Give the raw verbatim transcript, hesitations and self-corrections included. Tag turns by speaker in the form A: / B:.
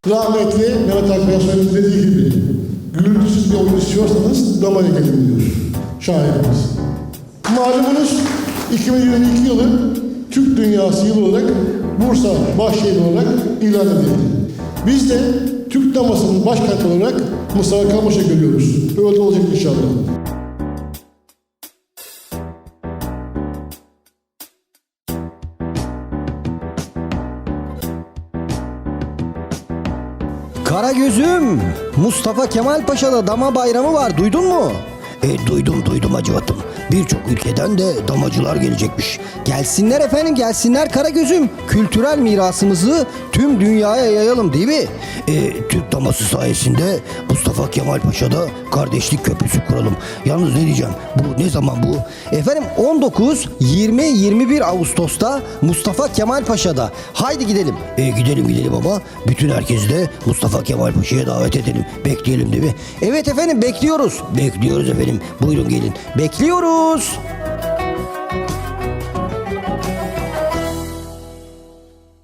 A: Rahmetli Mehmet Akbaş'ın dediği gibi, gürültüsüz bir oyun istiyorsanız damaya gelin diyor şairimiz. Malumunuz iki bin yirmi iki yılı Türk Dünyası yılı olarak Bursa başşehri olarak ilan edildi. Biz de Türk damasının başkenti olarak Mustafa Kemal Paşa'yı görüyoruz. Böyle olacak inşallah.
B: Karagöz'üm, Mustafa Kemal Paşa'da dama bayramı var, duydun mu? E, duydum duydum Hacivat'ım. Birçok ülkeden de damacılar gelecekmiş. Gelsinler efendim, gelsinler Karagöz'üm. Kültürel mirasımızı tüm dünyaya yayalım değil mi? E, Türk daması sayesinde Mustafa Kemal Paşa'da kardeşlik köprüsü kuralım. Yalnız ne diyeceğim, bu ne zaman bu? Efendim on dokuz, yirmi, yirmi bir Ağustos'ta Mustafa Kemal Paşa'da. Haydi gidelim. E, gidelim gidelim ama bütün herkesi de Mustafa Kemal Paşa'ya davet edelim. Bekleyelim değil mi? Evet efendim, bekliyoruz. Bekliyoruz efendim. Buyurun gelin. Bekliyoruz.